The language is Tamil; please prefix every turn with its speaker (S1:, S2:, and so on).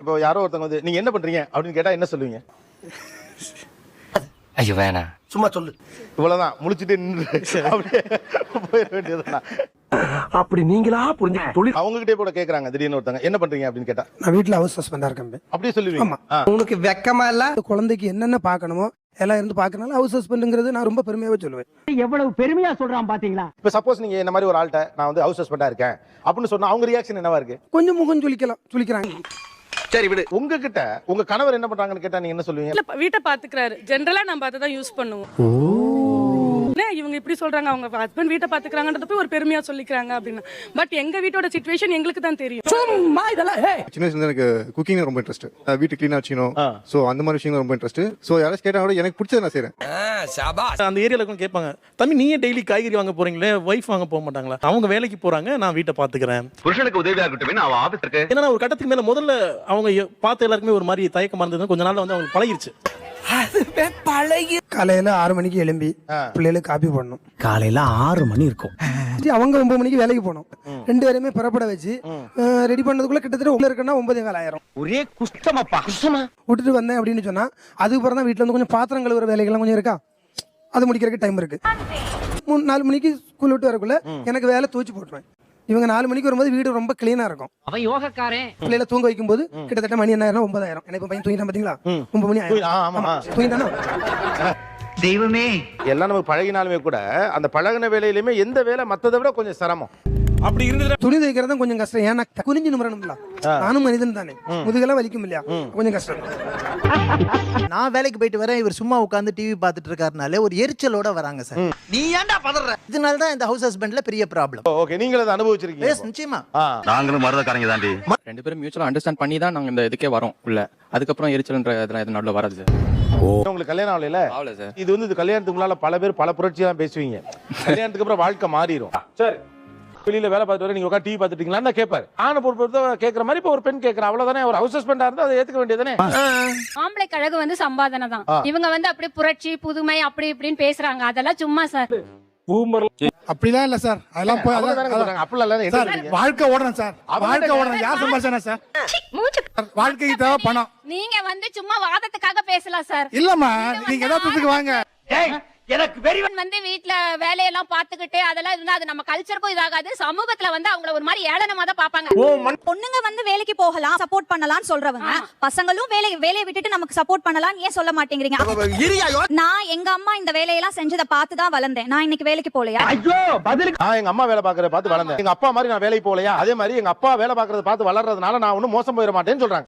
S1: இப்போ யாரோ ஒருத்தவங்க வந்து நீங்க என்ன பண்றீங்க அப்படின்னு கேட்டா என்ன சொல்லுவீங்க?
S2: ஐயோ வேணாம்,
S3: சும்மா சொல்லு.
S1: இவ்வளவுதான், முழிச்சிட்டு நின்று அப்படியே போயிட வேண்டியதுதான்.
S3: அப்படி நீங்களா புரிஞ்சு தொழில்
S1: அவங்க கிட்டே கூட கேக்குறாங்க திடீர்னு ஒருத்தவங்க என்ன பண்றீங்க அப்படின்னு கேட்டா
S4: நான் வீட்டுல ஹவுஸ் ஹஸ்பண்டா இருக்கேன்.
S1: அப்படியே சொல்லுவீங்க?
S3: உனக்கு வெக்கமா இல்ல?
S4: குழந்தைக்கு என்னென்ன பார்க்கணுமோ எல்லாம் இருந்து பார்க்கறனால ஹவுஸ் ஹஸ்பண்டுங்கிறது நான் ரொம்ப பெருமையாவே சொல்லுவேன்.
S5: எவ்வளவு பெருமையா சொல்றான் பாத்தீங்களா?
S1: இப்ப சப்போஸ் நீங்க இந்த மாதிரி ஒரு ஆள்கிட்ட நான் வந்து ஹவுஸ் ஹஸ்பண்டா இருக்கேன் அப்படின்னு சொன்னா அவங்க ரியாக்ஷன் என்னவா இருக்கு?
S4: கொஞ்சம் முகம் சுளிக்கிறாங்க.
S1: சரி விடு. உங்ககிட்ட உங்க கணவர் என்ன பண்றாங்கன்னு கேட்டா நீங்க என்ன சொல்லுவீங்க?
S6: இல்ல வீட்டை பாத்துக்கிறாரு. ஜெனரலா நம்ம அதை தான் யூஸ் பண்ணுவோம். இவங்க இப்படி சொல்றாங்க, அவங்க ஹஸ்பண்ட் வீட்டை பாத்துக்கிறாங்கன்றத போய் ஒரு பெருமையா சொல்லிக்கிறாங்க அப்படின்னு. பட் எங்க வீட்டோட சிச்சுவேஷன் எங்களுக்கு தான் தெரியும்.
S5: சும்மா இதெல்லாம்
S7: சின்ன வயசுல எனக்கு குக்கிங் ரொம்ப இன்ட்ரெஸ்ட். வீட்டு கிளீனா வச்சுக்கணும். சோ அந்த மாதிரி விஷயங்கள் ரொம்ப இன்ட்ரெஸ்ட். சோ யாராவது கேட்டா கூட எனக்கு பிடிச்சதை நான் செய்றேன்.
S8: அந்த ஏரியால கூட கேட்பாங்க, தம்பி நீயே டெய்லி காய்கறி வாங்க போறீங்களே, வைஃப் வாங்க போக மாட்டாங்களா? அவங்க வேலைக்கு போறாங்க, நான் வீட்டை பாத்துக்கிறேன்.
S9: புருஷனுக்கு உதவியா இருக்கட்டும், அவன் ஆபீஸ் இருக்கு.
S8: ஏன்னா ஒரு கட்டத்துக்கு மேல முதல்ல அவங்க பார்த்த எல்லாருக்குமே ஒரு மாதிரி தயக்கமா இருந்தது. கொஞ்ச நாள்ல வந்து அவங்களுக்கு பழகிருச்சு.
S4: காலையில 6 மணிக்கு எழும்பி பிள்ளைகளுக்கு காப்பி போடணும்.
S5: காலையில 6 மணி இருக்கும்.
S4: அவங்க 9 மணிக்கு வேலைக்கு போகணும். 2 பேருமே புறப்பட வச்சு ரெடி பண்ணதுக்குள்ள கிட்டத்தட்ட உள்ள இருக்குன்னா 9:15 ஆயிரும்.
S3: ஒரே குஷ்டமாப்பா. குஷ்டமா
S4: விட்டுட்டு வந்தேன் அப்படின்னு சொன்னா அதுக்கப்புறம் தான் வீட்டுல வந்து கொஞ்சம் பாத்திரம் கழுவுற வேலைகள்லாம் கொஞ்சம் இருக்கா, அது முடிக்கிறதுக்கு டைம் இருக்கு. 4 மணிக்கு ஸ்கூல் விட்டு வரக்குள்ள எனக்கு வேலை தூச்சி போட்டுருவேன். இவங்க 4 மணிக்கு வரும்போது வீடு ரொம்ப கிளீனா இருக்கும்.
S5: அவன் யோகக்காரன்.
S4: பிள்ளைல தூங்க வைக்கும் போது கிட்டத்தட்ட மணி என்ன 9 ஆயிரம். எனக்கு பையன் தூங்கிட்டான் பாத்தீங்களா? 9 மணி ஆயிரம் தூங்கிட்டானா?
S3: தெய்வமே.
S1: எல்லாம் நமக்கு பழகினாலுமே கூட அந்த பழகின வேலையிலுமே எந்த வேலை மத்ததை விட கொஞ்சம் சிரமம்.
S8: அப்படி இருந்தது.
S4: துணி தைக்கிறது கொஞ்சம் கஷ்டம். ஏன்னா குனிஞ்சு நிமிரணும்ல, நானும் மனிதன் தானே, முதுகெல்லாம் வலிக்கும் இல்லையா, கொஞ்சம் கஷ்டம்.
S10: நான் வேலைக்கு போயிட்டு வரேன், இவர் சும்மா உட்காந்து டிவி பார்த்துட்டு இருக்காருனாலே ஒரு எரிச்சலோட வராங்க சார்.
S3: நீ ஏன்டா பதற?
S10: இதனால தான் இந்த ஹவுஸ் ஹஸ்பண்ட்ல பெரிய ப்ராப்ளம்.
S1: ஓகே, நீங்க அதை அனுபவிச்சிருக்கீங்க?
S10: எஸ், நிச்சயமா.
S9: நாங்களும் மருதக்காரங்க தாண்டி.
S11: ரெண்டு பேரும் மியூச்சுவலா அண்டர்ஸ்டாண்ட் பண்ணி தான் நாங்க இந்த இதுக்கே வரோம் உள்ள. அதுக்கப்புறம் எரிச்சல்ன்ற இதெல்லாம் எது நடுவில் வராது சார்.
S1: உங்களுக்கு கல்யாணம் ஆகல?
S11: ஆகல சார்.
S1: இது வந்து இது கல்யாணத்துக்கு முன்னால பல பேர் பல புரட்சி தான் பேசுவீங்க. கல்யாணத்துக்கு அப்புறம் வாழ்க்கை மாறிடும். சரி, வெளியில வேலை பார்த்துட்டு வர நீங்க உட்காந்து டிவி பார்த்துட்டீங்களான்னு தான் கேட்பாரு. ஆன பொறுப்பு கேட்கற மாதிரி இப்ப ஒரு பெண் கேட்கற, அவ்வளவுதானே. ஒரு ஹவுஸ் ஹஸ்பண்டா இருந்தா அதை ஏத்துக்க வேண்டியதானே.
S6: ஆம்பளை கழகு வந்து சம்பாதனை தான். இவங்க வந்து அப்படியே புரட்சி புதுமை அப்படி இப்படின்னு பேசுறாங்க. அதெல்லாம் சும்மா சார்.
S4: அப்படிலாம் இல்ல சார். அதெல்லாம் போய்
S1: அப்படிலாம் இல்ல.
S4: வாழ்க்கை ஓடணும் சார். வாழ்க்கை ஓடணும். யார் சம்பாதிச்சானா சார்? வாழ்க்கைக்கு தேவை பணம்.
S6: நீங்க வந்து சும்மா வாதத்துக்காக பேசலாம் சார்.
S4: இல்லம்மா, நீங்க யதார்த்தத்துக்கு வாங்க.
S3: எனக்கு வெரி
S6: வந்து வீட்ல வேலையெல்லாம் பாத்துக்கிட்டு அதெல்லாம் இருந்தா அது நம்ம கல்ச்சருக்கும் இதாகாது. சமூகத்துல வந்து அவங்கள ஒரு மாதிரி ஏளனமா தான் பாப்பாங்க.
S12: பொண்ணுங்க வந்து வேலைக்கு போகலாம், சப்போர்ட் பண்ணலாம்னு சொல்றவங்க, பசங்களும் வேலையை விட்டுட்டு நமக்கு சப்போர்ட் பண்ணலாம் ஏன் சொல்ல மாட்டேங்கிறீங்க? நான் எங்க அம்மா இந்த வேலையெல்லாம் செஞ்சதை பார்த்து தான் வளர்ந்தேன். நான் இன்னைக்கு வேலைக்கு போலையா?
S3: ஐயோ பதில்.
S1: நான் எங்க அம்மா வேலை பாக்குறத பார்த்து வளர்ந்தேன். எங்க அப்பா மாதிரி நான் வேலைக்கு போலையா? அதே மாதிரி எங்க அப்பா வேலை பாக்குறத பார்த்து வளர்றதுனால நான் ஒன்னும் மோசம் போயிட மாட்டேன்னு சொல்றாங்க.